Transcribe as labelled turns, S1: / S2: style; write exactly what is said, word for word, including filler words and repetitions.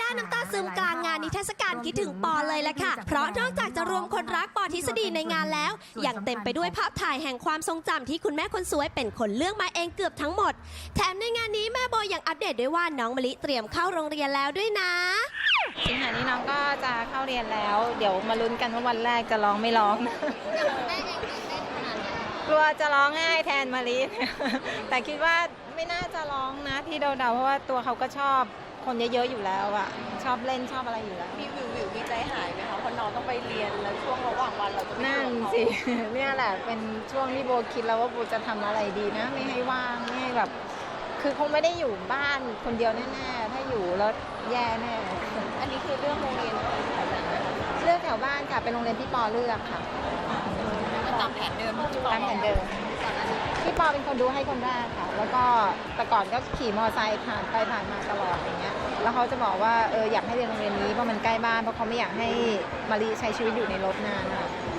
S1: น้ำตาซึมกลางงานนิทรรศการคิดถึงปอเลยแหละค่ะเพราะนอกจากจะรวมคนรักปอทฤษฎีในงานแล้วยังเต็มไปด้วยภาพถ่ายแห่งความทรงจำที่คุณแม่คนสวยเป็นคนเลือกมาเองเกือบทั้งหมดแถมในงานนี้แม่โบยังอัปเดตด้วยว่าน้องมะลิเตรียมเข้าโรงเรียนแล้วด้วยนะ
S2: สิงหานี้น้องก็จะเข้าเรียนแล้วเดี๋ยวมาลุ้นกันว่าวันแรกจะร้องไม่ร้องกลัวจะร้องง่ายแทนมะลิ แต่คิดว่าไม่น่าจะร้องนะที่เดาๆเพราะว่าตัวเขาก็ชอบคนเยอะๆอยู่แล้วอะชอบเล่นชอบอะไรอยู่แล้ว
S3: มีวิววิวมีใจหายไหมคะเพราะน้องต้องไปเรียนแล้วช่วงระหว่างวันเราจะ
S2: นั่นสิ เนี่ยแหละเป็นช่วงที่โบคิดแล้วว่าโบจะทำอะไรดีนะไม่ให้ว่างไม่ให้แบบคือคงไม่ได้อยู่บ้านคนเดียวแน่ๆถ้าอยู่แล้วแย่แน่
S3: อันนี้คือเรื่องโรงเรียนแถวไหนนะคะ
S2: เลือกแถวบ้านค่ะเป็นโรงเรียนที่ปอเลือกค่ะ
S3: ก็ตามแผนเดิม
S2: ตามแผนเดิมพี่ปอเป็นคนดูให้คนแรกค่ะแล้วก็แต่ก่อนก็ขี่มอเตอร์ไซค์ผ่านไปผ่านมาตลอดอย่างเงี้ยแล้วเขาจะบอกว่าเอออยากให้เรียนโรงเรียนนี้เพราะมันใกล้บ้านเพราะเขาไม่อยากให้มารีใช้ชีวิตอยู่ในรถนานค่ะ